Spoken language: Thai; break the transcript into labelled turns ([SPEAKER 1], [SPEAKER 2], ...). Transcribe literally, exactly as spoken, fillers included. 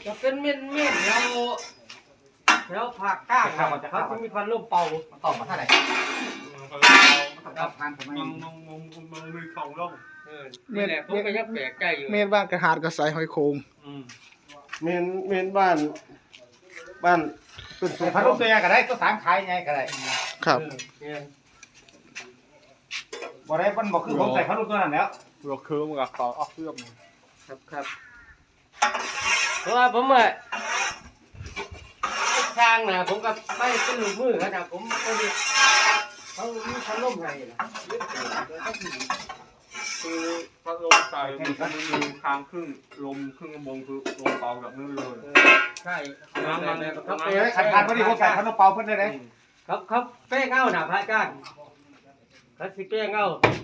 [SPEAKER 1] จะเป็นเม่นเม่นแล้วแล้วผักก้างเขาจะมีพันลมเป่า
[SPEAKER 2] ตอบมาเท่าไหร่ตอบพันผมไม่มองมองมองมือของล่อง
[SPEAKER 1] นี่แหละผมก็ยังแปลกใจอยู่
[SPEAKER 3] เมนบ้านกระหาดกระสายหอยโคง
[SPEAKER 4] เมนเมนบ้านบ้านต้นสุ
[SPEAKER 2] พันลูกตัวใหญ่ก็ได้ตัวสามขายไงก็ได้
[SPEAKER 3] ครับ
[SPEAKER 2] บ่ได้มันบอกคือผมใส่พันลูกตัวนั้นแล้ว
[SPEAKER 4] เราคือมันกับต่อออกเครื่อง
[SPEAKER 1] ครับครับเพราะว่าผมอ่ะทางนะผมกับไม่เป็นลูกมือขนาดผมก็ดีเขามีพันลมไงล่ะ
[SPEAKER 4] คือพัดลมใส่มันมีทางครึ่งลมครึ่งกระมงคือลมเป่าแบบนี้เลย
[SPEAKER 1] ใช่
[SPEAKER 2] มันมันเขาไปขัดขัดพอดีผมใส่พัดลมเป่าเพิ่นได้เลย
[SPEAKER 1] ครับครับเป้งเงาหนาพระอาจารย์เขาสิเป้งเงา